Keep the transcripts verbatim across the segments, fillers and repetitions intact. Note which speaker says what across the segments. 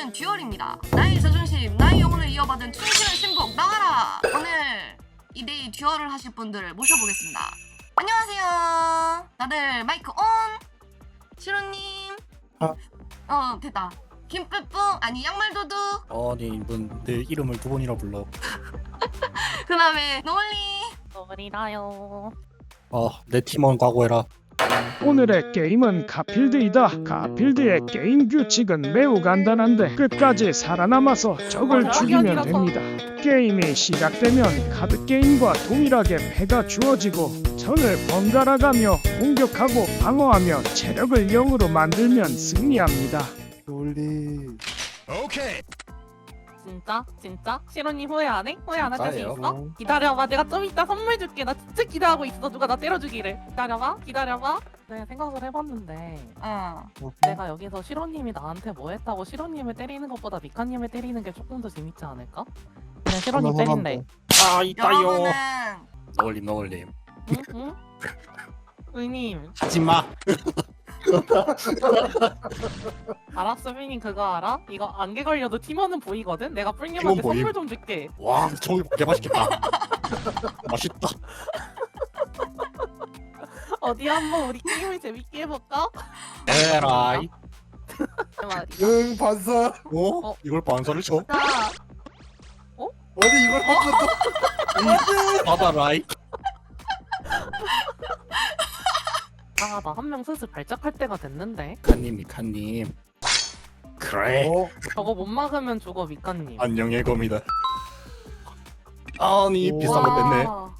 Speaker 1: 오늘은 듀얼입니다. 나의 자존심, 나의 영혼을 이어받은 충실한 신복 나와라! 오늘 이 데이 듀얼을 하실 분들을 모셔보겠습니다. 안녕하세요. 다들 마이크 온! 시로님.
Speaker 2: 아.
Speaker 1: 어 됐다. 김뿌뿌 아니 양말도둑.
Speaker 2: 아니 이분 내 이름을 두 번이나 불러.
Speaker 1: 그 다음에 노을리.
Speaker 3: 노을이다요.
Speaker 2: 아내 팀원 각오해라.
Speaker 4: 오늘의 게임은 가필드이다. 가필드의 게임 규칙은 매우 간단한데 끝까지 살아남아서 적을 죽이면 됩니다. 게임이 시작되면 카드 게임과 동일하게 패가 주어지고 전을 번갈아가며 공격하고 방어하며 체력을 영으로 만들면 승리합니다.
Speaker 2: 놀리.
Speaker 3: 진짜? 진짜? 시로님 후회 안 해? 후회 안 할 자신
Speaker 2: 진짜예요?
Speaker 3: 있어? 기다려봐. 내가 좀 이따 선물 줄게. 나 진짜 기대하고 있어. 누가 나 때려주기를. 기다려봐. 기다려봐. 네, 생각을 해봤는데
Speaker 1: 어.
Speaker 3: 내가 여기서 시로님이 나한테 뭐 했다고 시로님을 때리는 것보다 미카님을 때리는 게 조금 더 재밌지 않을까? 그냥 시로님 때린대.
Speaker 2: 아 있다요.
Speaker 1: 여러분은
Speaker 2: 너울림 너울림.
Speaker 3: 응? 응? 의님.
Speaker 2: 하지마.
Speaker 3: 알았어, 의님 그거 알아? 이거 안개 걸려도 팀원은 보이거든? 내가
Speaker 2: 팀원
Speaker 3: 뿔님한테
Speaker 2: 보임.
Speaker 3: 선물 좀 줄게.
Speaker 2: 와 저기 개 맛있겠다. 맛있다.
Speaker 3: 어디 한번 우리 게임을 재밌게 해볼까?
Speaker 2: 에라이.
Speaker 3: 말이야.
Speaker 5: 응 반사.
Speaker 2: 어?
Speaker 3: 어?
Speaker 2: 이걸 반사를 쳐?
Speaker 3: 자,
Speaker 5: 아니 이걸 한 번도
Speaker 2: 받아라이.
Speaker 3: 아, 나 한 명 슬슬 발작할 때가 됐는데.
Speaker 2: 미카님 미카님. 그래.
Speaker 5: 어?
Speaker 3: 저거 못 막으면 죽어, 미카님.
Speaker 2: 안녕의 검이다. 아니 비싼 거 뺐네.
Speaker 3: 와,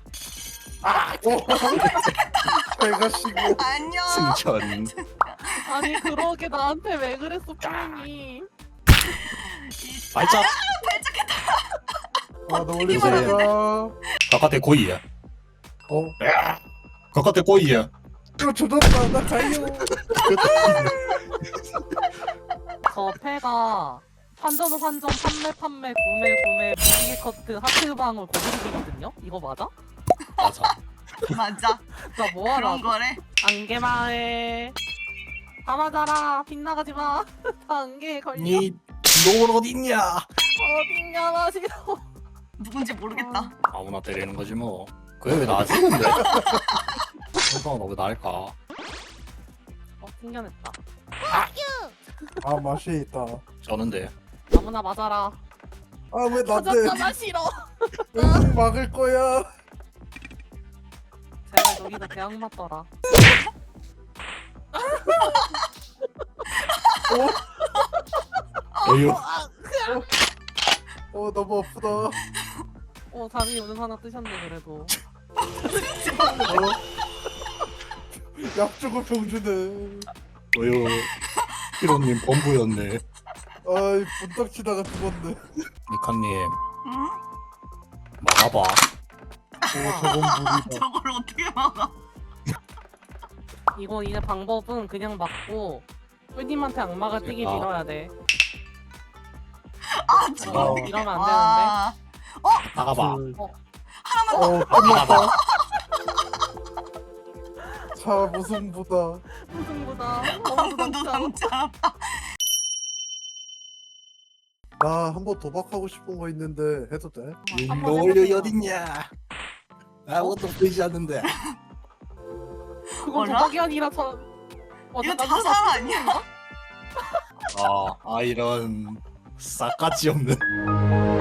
Speaker 5: 배가 시고.
Speaker 1: 안녕.
Speaker 2: 승천.
Speaker 3: 아니 그러게 나한테 왜 그랬어, 뿔님이.
Speaker 2: 발작.
Speaker 5: 아나 원래
Speaker 2: 이제-
Speaker 5: 배가.
Speaker 2: 바깥에 고이야.
Speaker 5: 어?
Speaker 2: 바깥에 고이야.
Speaker 5: 이거 조졌다. 나 가요.
Speaker 3: 저 패가 환전 환전 판매 판매 구매 구매 무지개 커트 하트방울 고르기거든요. 이거 맞아?
Speaker 2: 맞아.
Speaker 1: 맞아.
Speaker 3: 나 뭐하라?
Speaker 1: 그런 거래.
Speaker 3: 안개마을 다 맞아라. 빗나가지 마. 다 안개에 걸려.
Speaker 2: 니 놈은 어딨냐?
Speaker 3: 어딨냐 나 싫어.
Speaker 1: 누군지 모르겠다.
Speaker 2: 아무나 때리는 거지 뭐. 그게 왜 나지 근데? 형광 너왜 날까?
Speaker 3: 어, 튕겨냈다.
Speaker 5: 아 맛이 있다.
Speaker 2: 저는데.
Speaker 3: 아무나 맞아라.
Speaker 5: 아 왜 나한테
Speaker 3: 맞았잖아 싫어.
Speaker 5: 응 막을 거야.
Speaker 3: 제발 여기다 대학 맞더라.
Speaker 2: 어휴.
Speaker 5: 어 너무 아프다.
Speaker 3: 어 잠이 오늘 하나 뜨셨네 그래도.
Speaker 5: 어? 약 주고 병 주네.
Speaker 2: 어휴. 히로님 범부였네.
Speaker 5: 아이 분딱 치다가 죽었네.
Speaker 2: 미카님
Speaker 1: 응?
Speaker 2: 막아봐.
Speaker 5: 오 저건 물이다.
Speaker 1: 저걸 어떻게 막아?
Speaker 3: 이거 이제 방법은 그냥 맞고 뿔님한테 악마가 뛰기
Speaker 2: 아.
Speaker 3: 밀어야 돼.
Speaker 1: 아 저걸
Speaker 2: 어.
Speaker 1: 어떻게
Speaker 3: 이러면 안
Speaker 1: 와.
Speaker 2: 막아봐.
Speaker 1: 하나만 더.
Speaker 5: 어 끝났다.
Speaker 2: 막아봐.
Speaker 5: 차 무승부다.
Speaker 3: 무승부다.
Speaker 1: 아무도 남자.
Speaker 5: 나 한번 도박하고 싶은 거 있는데 해도 돼?
Speaker 3: 한번
Speaker 2: 너울려
Speaker 3: 해보세요.
Speaker 2: 어딨냐? 아무것도 보이지 않는데.
Speaker 3: 그건
Speaker 1: 뭐라?
Speaker 3: 도박이 아니라 저. 어,
Speaker 1: 이거
Speaker 3: 잠깐,
Speaker 1: 자살 아니야?
Speaker 2: 아, 아 이런 싸가지 없는.